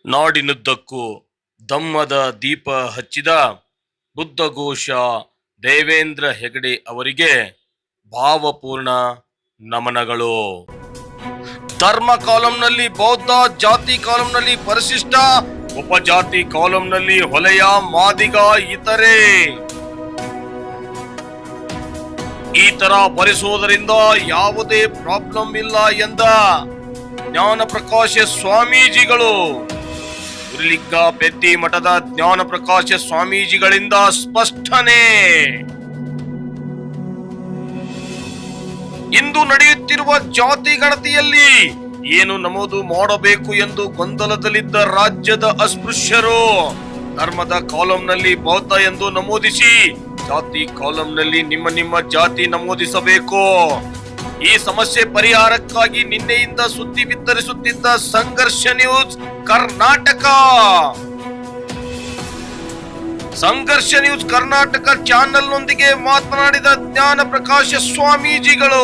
ನಾಡಿನುದ್ದಕ್ಕೂ ಧಮ್ಮದ ದೀಪ ಹಚ್ಚಿದ ಬುದ್ಧಘೋಷ ದೇವೇಂದ್ರ ಹೆಗಡೆ ಅವರಿಗೆ ಭಾವಪೂರ್ಣ ನಮನಗಳು. ಧರ್ಮ ಕಾಲಂನಲ್ಲಿ ಬೌದ್ಧ, ಜಾತಿ ಕಾಲಂನಲ್ಲಿ ಪರಿಶಿಷ್ಟ, ಉಪಜಾತಿ ಕಾಲಂನಲ್ಲಿ ಹೊಲೆಯ, ಮಾದಿಗ, ಇತರೆ ಈ ತರ ಬರೆಸುವುದರಿಂದ ಯಾವುದೇ ಪ್ರಾಬ್ಲಮ್ ಇಲ್ಲ ಎಂದ ಜ್ಞಾನ ಪ್ರಕಾಶ ಸ್ವಾಮೀಜಿಗಳು. ಉರ್ಲಿಗ್ಗ ಪೆದ್ದಿ ಮಠದ ಜ್ಞಾನ ಪ್ರಕಾಶ ಸ್ವಾಮೀಜಿಗಳಿಂದ ಸ್ಪಷ್ಟನೆ. ಇಂದು ನಡೆಯುತ್ತಿರುವ ಜಾತಿ ಗಣತಿಯಲ್ಲಿ ಏನು ನಮೂದು ಮಾಡಬೇಕು ಎಂದು ಗೊಂದಲದಲ್ಲಿದ್ದ ರಾಜ್ಯದ ಅಸ್ಪೃಶ್ಯರು ಧರ್ಮದ ಕಾಲಂನಲ್ಲಿ ಬೌದ್ಧ ಎಂದು ನಮೂದಿಸಿ ಜಾತಿ ಕಾಲಂನಲ್ಲಿ ನಿಮ್ಮ ಜಾತಿ ನಮೂದಿಸಬೇಕು. ಈ ಸಮಸ್ಯೆ ಪರಿಹಾರಕ್ಕಾಗಿ ನಿನ್ನೆಯಿಂದ ಸುದ್ದಿ ಬಿತ್ತರಿಸುತ್ತಿದ್ದ ಸಂಘರ್ಷ ನ್ಯೂಸ್ ಕರ್ನಾಟಕ ಚಾನೆಲ್ನೊಂದಿಗೆ ಮಾತನಾಡಿದ ಜ್ಞಾನ ಪ್ರಕಾಶ ಸ್ವಾಮೀಜಿಗಳು.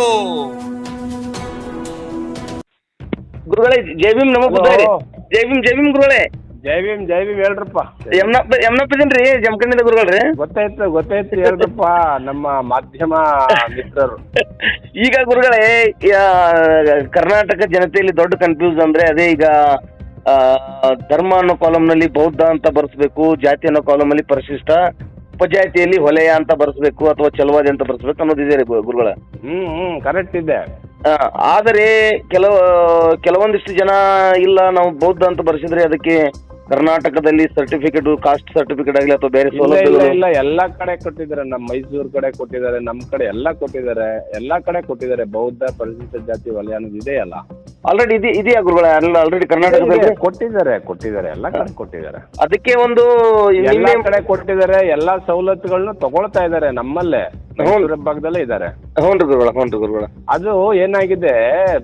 ಗುರುಗಳೇ ಜೈ ಭೀಮ್, ನಮೋ ಬುದ್ಧಾರಿ. ಜೈ ಭೀಮ್ ಗುರುಗಳೇ. ಜೈ ಭೀಮ್ ಹೇಳ್ರಪ್ಪ. ಯಮ್ನಪ್ಪಿದನ್ರಿ ಜಮಖಂಡಿದ ಗುರುಗಳ್ರಿ. ಗೊತ್ತಾಯ್ತು ಹೇಳ್ರಪ್ಪ, ನಮ್ಮ ಮಾಧ್ಯಮ ಮಿತ್ರರು. ಈಗ ಗುರುಗಳೇ, ಕರ್ನಾಟಕ ಜನತೆಯಲ್ಲಿ ದೊಡ್ಡ ಕನ್ಫ್ಯೂಸ್ ಅಂದ್ರೆ ಅದೇ. ಈಗ ಧರ್ಮ ಅನ್ನೋ ಕಾಲಂನಲ್ಲಿ ಬೌದ್ಧ ಅಂತ ಬರ್ಸ್ಬೇಕು, ಜಾತಿ ಅನ್ನೋ ಕಾಲಂನಲ್ಲಿ ಪರಿಶಿಷ್ಟ, ಉಪಜಾತಿಯಲ್ಲಿ ಹೊಲೆಯ ಅಂತ ಬರ್ಸ್ಬೇಕು ಅಥವಾ ಚಲವಾದಿ ಅಂತ ಬರ್ಸ್ಬೇಕು ಅನ್ನೋದಿದೆ ಗುರುಗಳ. ಕರೆಕ್ಟ್ ಇದೆ. ಆದರೆ ಕೆಲವೊಂದಿಷ್ಟು ಜನ ಇಲ್ಲ, ನಾವು ಬೌದ್ಧ ಅಂತ ಬರ್ಸಿದ್ರೆ ಅದಕ್ಕೆ ಕರ್ನಾಟಕದಲ್ಲಿ ಸರ್ಟಿಫಿಕೇಟ್, ಕಾಸ್ಟ್ ಸರ್ಟಿಫಿಕೇಟ್ ಆಗಲಿ ಅಥವಾ ಬೇರೆ ಸೌಲಭ್ಯ ಇಲ್ಲ, ಎಲ್ಲಾ ಕಡೆ ಕೊಟ್ಟಿದ್ದಾರೆ. ನಮ್ಮ ಮೈಸೂರು ಕಡೆ ಕೊಟ್ಟಿದ್ದಾರೆ, ನಮ್ಮ ಕಡೆ ಎಲ್ಲಾ ಕೊಟ್ಟಿದ್ದಾರೆ. ಬೌದ್ಧ ಪರಿಶಿಷ್ಟ ಜಾತಿ ವಲಯ ಅನ್ನೋದು ಇದೆಯಲ್ಲ, ಆಲ್ರೆಡಿ ಇದೆಯಾ ಗುರುಗಳ? ಆಲ್ರೆಡಿ ಕರ್ನಾಟಕದಲ್ಲಿ ಕೊಟ್ಟಿದ್ದಾರೆ, ಎಲ್ಲಾ ಕಡೆ ಕೊಟ್ಟಿದ್ದಾರೆ. ಅದಕ್ಕೆ ಒಂದು ಎಲ್ಲಾ ಕಡೆ ಕೊಟ್ಟಿದ್ದಾರೆ. ಎಲ್ಲಾ ಸವಲತ್ತುಗಳನ್ನು ತಗೊಳ್ತಾ ಇದ್ದಾರೆ. ನಮ್ಮಲ್ಲೇ ಭಾಗದಲ್ಲೇ ಇದ್ದಾರೆ. ಹ್ಞೂ ಗುರುಗಳ. ಅದು ಏನಾಗಿದೆ,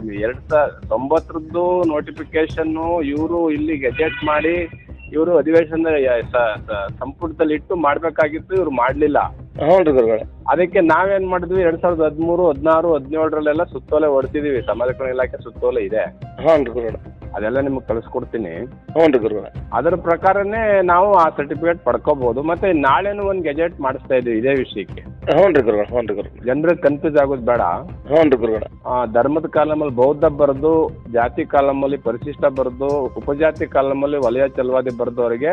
2009 ನೋಟಿಫಿಕೇಶನ್ ಇವರು ಇಲ್ಲಿ ಗೆಜೆಟ್ ಮಾಡಿ ಇವರು ಅಧಿವೇಶನ ಸಂಪುಟದಲ್ಲಿ ಇಟ್ಟು ಮಾಡ್ಬೇಕಾಗಿತ್ತು, ಇವ್ರು ಮಾಡ್ಲಿಲ್ಲ. ಅದಕ್ಕೆ ನಾವೇನ್ ಮಾಡಿದ್ವಿ, 2013, 16, 17 ಸುತ್ತೋಲೆ ಹೊಡ್ತಿದೀವಿ. ಸಮಾಜ ಕಲ್ಯಾಣ ಇಲಾಖೆ ಸುತ್ತೋಲೆ ಇದೆ, ಅದೆಲ್ಲ ನಿಮ್ಗೆ ಕಳಿಸ್ಕೊಡ್ತೀನಿ. ಅದರ ಪ್ರಕಾರನೇ ನಾವು ಆ ಸರ್ಟಿಫಿಕೇಟ್ ಪಡ್ಕೋಬಹುದು. ಮತ್ತೆ ನಾಳೆನು ಒಂದು ಗೆಜೆಟ್ ಮಾಡಿಸ್ತಾ ಇದೀವಿ ಇದೇ ವಿಷಯಕ್ಕೆ. ಜನರಿಗೆ ಕನ್ಫ್ಯೂಸ್ ಆಗೋದು ಬೇಡ. ಧರ್ಮದ ಕಾಲಮಲ್ಲಿ ಬೌದ್ಧ ಬರೆದು, ಜಾತಿ ಕಾಲಮಲ್ಲಿ ಪರಿಶಿಷ್ಟ ಬರೆದು, ಉಪಜಾತಿ ಕಾಲಮಲ್ಲಿ ವಲಯ ಚಲವಾದಿ ಬರೆದವರಿಗೆ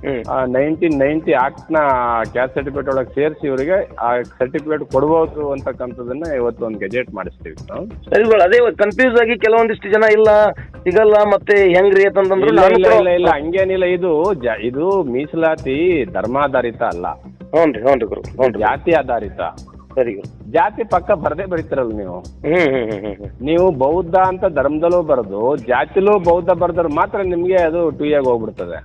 1990 ಆಕ್ಟ್ ನ ಕ್ಯಾಸ್ಟ್ ಸರ್ಟಿಫಿಕೇಟ್ ಒಳಗೆ ಸೇರಿಸಿ ಇವರಿಗೆ ಆ ಸರ್ಟಿಫಿಕೇಟ್ ಕೊಡಬಹುದು ಅಂತಕ್ಕಂಥದನ್ನ ಇವತ್ತು ಒಂದು ಗೆಜೆಟ್ ಮಾಡಿಸ್ತೀವಿ. ಅದೇ ಕನ್ಫ್ಯೂಸ್ ಆಗಿ ಕೆಲವೊಂದಿಷ್ಟು ಜನ ಇಲ್ಲ, ಸಿಗಲ್ಲ, ಮತ್ತೆ ಹೆಂಗ್ರಿ ಅಂತಂದ್ರೆ ಇಲ್ಲ ಹಂಗೇನಿಲ್ಲ. ಇದು ಮೀಸಲಾತಿ ಧರ್ಮಾಧಾರಿತ ಅಲ್ಲ, ಜಾತಿ ಆಧಾರಿತ. ಸರಿ, ಜಾತಿ ಪಕ್ಕ ಬರದೇ ಬರೀತಾರಲ್ಲ ನೀವು ಬೌದ್ಧ ಅಂತ ಧರ್ಮದಲ್ಲೂ ಬರೆದು ಜಾತಿಲೂ ಬೌದ್ಧ ಬರೆದ್ರು ಮಾತ್ರ ನಿಮ್ಗೆ ಅದು 2 ಹೋಗ್ಬಿಡ್ತದೆ.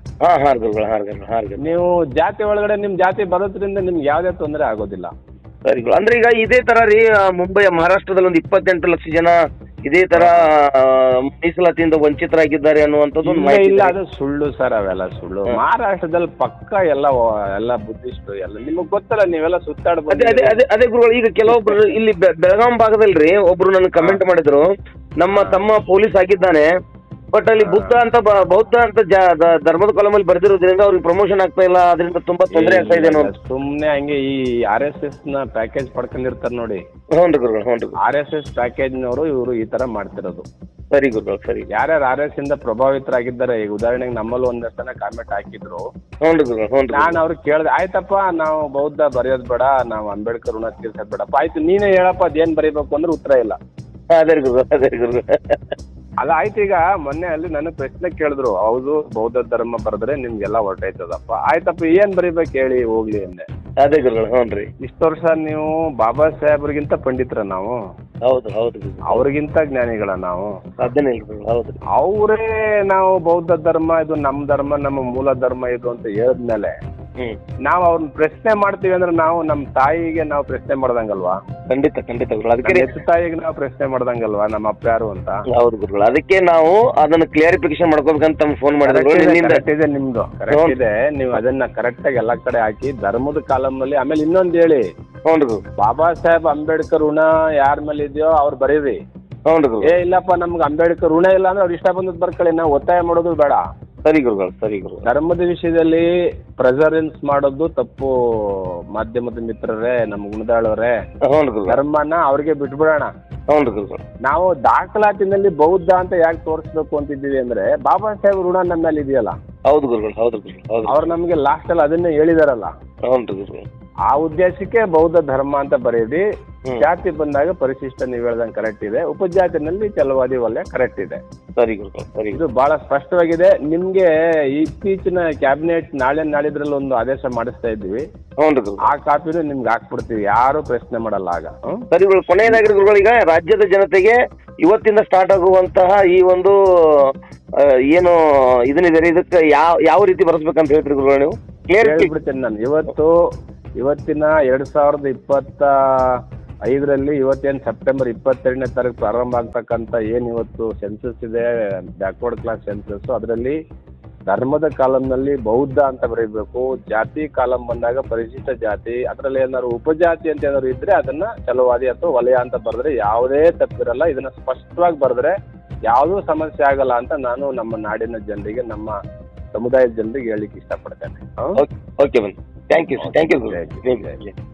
ನೀವು ಜಾತಿ ಒಳಗಡೆ ನಿಮ್ ಜಾತಿ ಬರೋದ್ರಿಂದ ನಿಮ್ಗೆ ಯಾವ್ದೇ ತೊಂದರೆ ಆಗೋದಿಲ್ಲ. ಸರಿ, ಅಂದ್ರೆ ಈಗ ಇದೇ ತರ ರೀ, ಮುಂಬೈ ಮಹಾರಾಷ್ಟ್ರದಲ್ಲಿ ಒಂದು 28 ಲಕ್ಷ ಜನ ಇದೇ ತರ ಮೀಸಲಾತಿಯಿಂದ ವಂಚಿತರಾಗಿದ್ದಾರೆ ಅನ್ನುವಂಥದ್ದು ಇಲ್ಲ. ಅದು ಸುಳ್ಳು ಸರ್, ಅವೆಲ್ಲ ಸುಳ್ಳು. ಮಹಾರಾಷ್ಟ್ರದಲ್ಲಿ ಪಕ್ಕ ಎಲ್ಲ ಬುದ್ಧಿಸ್ಟ್ ಎಲ್ಲ ನಿಮಗ್ ಗೊತ್ತಲ್ಲ, ನೀವೆಲ್ಲ ಸುತ್ತಾಡ್ಬೋದು. ಅದೇ ಗುರುಗಳು, ಈಗ ಕೆಲವೊಬ್ರು ಇಲ್ಲಿ ಬೆಳಗಾಂ ಭಾಗದಲ್ರಿ ಒಬ್ರು ನನ್ ಕಮೆಂಟ್ ಮಾಡಿದ್ರು, ನಮ್ಮ ತಮ್ಮ ಪೊಲೀಸ್ ಆಗಿದ್ದಾನೆ, ಬಟ್ ಅಲ್ಲಿ ಬೌದ್ಧ ಅಂತ ಧರ್ಮದ ಕಾಲಮಲ್ಲಿ ಬರ್ದಿರೋದ್ರಿಂದ ಅವ್ರಿಗೆ ಪ್ರಮೋಷನ್ ಆಗ್ತಾ ಇಲ್ಲ, ಅದರಿಂದ ತುಂಬಾ ತೊಂದರೆ ಆಗ್ತಾ ಇದೆ. ಸುಮ್ನೆ ಹಂಗೆ ಈ RSS ನ ಪ್ಯಾಕೇಜ್ ಪಡ್ಕೊಂಡಿರ್ತಾರೆ ನೋಡಿ. RSS ಪ್ಯಾಕೇಜ್ ನವರು ಇವರು ಈ ತರ ಮಾಡ್ತಿರೋದು. ಸರಿ ಗುರುಗಳು, ಸರಿ. ಯಾರ್ಯಾರು RSS ಇಂದ ಪ್ರಭಾವಿತರಾಗಿದ್ದಾರೆ, ಈಗ ಉದಾಹರಣೆಗೆ ನಮ್ಮಲ್ಲಿ ಒಂದಷ್ಟು ಜನ ಕಾಮೆಂಟ್ ಹಾಕಿದ್ರು. ನಾನು ಅವ್ರಿಗೆ ಕೇಳಿದೆ, ಆಯ್ತಪ್ಪ ನಾವು ಬೌದ್ಧ ಬರೆಯೋದ್ ಬೇಡ, ನಾವು ಅಂಬೇಡ್ಕರ್ ಋಣ ತೀರ್ಸೋದ್ ಬೇಡಪ್ಪ, ಆಯ್ತು ನೀನೇ ಹೇಳಪ್ಪ ಅದೇನ್ ಬರೀಬೇಕು ಅಂದ್ರೆ ಉತ್ತರ ಇಲ್ಲ. ಅದೇ ಗುರು. ಅದಾಯ್ತು. ಈಗ ಮೊನ್ನೆ ಅಲ್ಲಿ ನನಗೆ ಪ್ರಶ್ನೆ ಕೇಳಿದ್ರು, ಹೌದು ಬೌದ್ಧ ಧರ್ಮ ಬರೆದ್ರೆ ನಿಮ್ಗೆಲ್ಲ ಹೊರಟೈತದಪ್ಪ, ಆಯ್ತಪ್ಪ ಏನ್ ಬರೀಬೇಕು ಹೇಳಿ ಹೋಗ್ಲಿ ಅಂದೆ. ಅದೇ ಗುರುಗಳು, ಇಷ್ಟು ವರ್ಷ ನೀವು ಬಾಬಾ ಸಾಹೇಬ್ರಿಗಿಂತ ಪಂಡಿತರ ನಾವು. ಹೌದು, ಅವ್ರಿಗಿಂತ ಜ್ಞಾನಿಗಳ ನಾವು. ಹೌದು. ಅವರೇ ನಾವು ಬೌದ್ಧ ಧರ್ಮ ಇದು ನಮ್ಮ ಧರ್ಮ, ನಮ್ಮ ಮೂಲ ಧರ್ಮ ಇದು ಅಂತ ಹೇಳಿದ್ಮೇಲೆ ನಾವು ಅವ್ರನ್ನ ಪ್ರಶ್ನೆ ಮಾಡ್ತೀವಿ ಅಂದ್ರೆ ನಾವು ನಮ್ಮ ತಾಯಿಗೆ ನಾವು ಪ್ರಶ್ನೆ ಮಾಡ್ದಂಗಲ್ವಾ? ಖಂಡಿತ. ಅದಕ್ಕೆ ತಾಯಿಗೆ ನಾವು ಪ್ರಶ್ನೆ ಮಾಡ್ದಂಗಲ್ವಾ ನಮ್ಮ ಅಪ್ಪ ಯಾರು ಅಂತ? ಹೌದು ಗುರುಗಳು, ಅದಕ್ಕೆ ನಾವು ಅದನ್ನ ಕ್ಲಿಯರಿಫಿಕೇಶನ್ ಮಾಡ್ಕೋಬೇಕಂತ ಫೋನ್ ಮಾಡಿದ್ರೆ ನಿಮ್ದು ಕರೆಕ್ಟ್ ಇದೆ. ನೀವು ಅದನ್ನ ಕರೆಕ್ಟ್ ಆಗಿ ಎಲ್ಲಾ ಕಡೆ ಹಾಕಿ ಧರ್ಮದ ಕಾಲಂನಲ್ಲಿ. ಆಮೇಲೆ ಇನ್ನೊಂದು ಹೇಳಿ, ಬಾಬಾ ಸಾಹೇಬ್ ಅಂಬೇಡ್ಕರ್ ಋಣ ಯಾರ ಮೇಲೆ ಇದೆಯೋ ಅವ್ರು ಬರೀರಿ. ಇಲ್ಲಪ್ಪ ನಮ್ಗೆ ಅಂಬೇಡ್ಕರ್ ಋಣ ಇಲ್ಲ ಅಂದ್ರೆ ಅವ್ರು ಇಷ್ಟ ಬಂದದ್ ಬರ್ಕೊಳ್ಳಿ, ನಾವು ಒತ್ತಾಯ ಮಾಡೋದು ಬೇಡ. ಸರಿ ಗುರುಗಳು, ಸರಿ ಗುರುಗಳು. ಧರ್ಮದ ವಿಷಯದಲ್ಲಿ ಪ್ರೆಸರೆನ್ಸ್ ಮಾಡೋದು ತಪ್ಪು. ಮಾಧ್ಯಮದ ಮಿತ್ರರೇ, ನಮ್ಮ ಗುಣದಾಳವ್ರೆ, ಹೌದು ಗುರುಗಳು. ಧರ್ಮನ ಅವ್ರಿಗೆ ಬಿಟ್ಬಿಡೋಣ. ಹೌದು ಗುರುಗಳು. ನಾವು ದಾಖಲಾತಿನಲ್ಲಿ ಬೌದ್ಧ ಅಂತ ಯಾಕೆ ತೋರಿಸ್ಬೇಕು ಅಂತಿದ್ದೀವಿ ಅಂದ್ರೆ, ಬಾಬಾ ಸಾಹೇಬ್ ಋಣ ನಮ್ಮ ಮೇಲೆ ಇದೆಯಲ್ಲ. ಹೌದು ಗುರುಗಳು, ಹೌದು ಗುರುಗಳು, ಹೌದು. ಅವ್ರು ನಮಗೆ ಲಾಸ್ಟ್ ಅಲ್ಲಿ ಅದನ್ನೇ ಹೇಳಿದಾರಲ್ಲ. ಹೌದು ಗುರುಗಳು. ಆ ಉದ್ದೇಶಕ್ಕೆ ಬೌದ್ಧ ಧರ್ಮ ಅಂತ ಬರೆಯಿರಿ. ಜಾತಿ ಬಂದಾಗ ಪರಿಶಿಷ್ಟ ನೀವು ಹೇಳ್ದಂಗೆ ಕರೆಕ್ಟ್ ಇದೆ, ಉಪಜಾತಿನಲ್ಲಿ ಛಲವಾದಿ ವಲಯ ಕರೆಕ್ಟ್ ಇದೆ. ಸರಿ ಗುರುಗಳು, ಸರಿ. ಇದು ಬಹಳ ಸ್ಪಷ್ಟವಾಗಿದೆ. ನಿಮ್ಗೆ ಇತ್ತೀಚಿನ ಕ್ಯಾಬಿನೆಟ್ ನಾಳಿದ್ರಲ್ಲಿ ಒಂದು ಆದೇಶ ಮಾಡಿಸ್ತಾ ಇದ್ದೀವಿ. ಹೌದು ಗುರುಗಳು. ಆ ಕಾಪಿನೂ ನಿಮ್ಗೆ ಹಾಕ್ಬಿಡ್ತೀವಿ, ಯಾರು ಪ್ರಶ್ನೆ ಮಾಡಲ್ಲ ಆಗ. ಸರಿ ಗುರುಗಳು. ಕೊನೆಯದಾಗಿ ಗುರುಗಳು, ಈಗ ರಾಜ್ಯದ ಜನತೆಗೆ ಇವತ್ತಿಂದ ಸ್ಟಾರ್ಟ್ ಆಗುವಂತಹ ಈ ಒಂದು ಏನು ಇದನ್ನಿದೆ, ಇದಕ್ಕೆ ಯಾವ ರೀತಿ ಬರೆಸ್ಬೇಕಂತ ಹೇಳ್ತೀರಿ ಗುರುಗಳು ನೀವು? ಹೇಳ್ಬಿಡ್ತೇನೆ ನಾನು. ಇವತ್ತಿನ 2025 ಇವತ್ತೇನು ಸೆಪ್ಟೆಂಬರ್ 22ನೇ ತಾರೀಕು ಪ್ರಾರಂಭ ಆಗ್ತಕ್ಕಂಥ ಏನು ಇವತ್ತು ಸೆನ್ಸಸ್ ಇದೆ, ಬ್ಯಾಕ್ವರ್ಡ್ ಕ್ಲಾಸ್ ಸೆನ್ಸಸ್, ಅದರಲ್ಲಿ ಧರ್ಮದ ಕಾಲಂನಲ್ಲಿ ಬೌದ್ಧ ಅಂತ ಬರೀಬೇಕು. ಜಾತಿ ಕಾಲಂ ಬಂದಾಗ ಪರಿಶಿಷ್ಟ ಜಾತಿ, ಅದರಲ್ಲಿ ಏನಾದ್ರು ಉಪಜಾತಿ ಅಂತ ಏನಾದ್ರು ಇದ್ರೆ ಅದನ್ನ ಛಲವಾದಿ ಅಥವಾ ವಲಯ ಅಂತ ಬರೆದ್ರೆ ಯಾವುದೇ ತಪ್ಪಿರಲ್ಲ. ಇದನ್ನ ಸ್ಪಷ್ಟವಾಗಿ ಬರೆದ್ರೆ ಯಾವುದೂ ಸಮಸ್ಯೆ ಆಗಲ್ಲ ಅಂತ ನಾನು ನಮ್ಮ ನಾಡಿನ ಜನರಿಗೆ, ನಮ್ಮ ಸಮುದಾಯದ ಜನರಿಗೆ ಹೇಳಿಕ್ಕೆ ಇಷ್ಟಪಡ್ತೇನೆ. ಓಕೆ ಬನ್ನಿ. Thank you.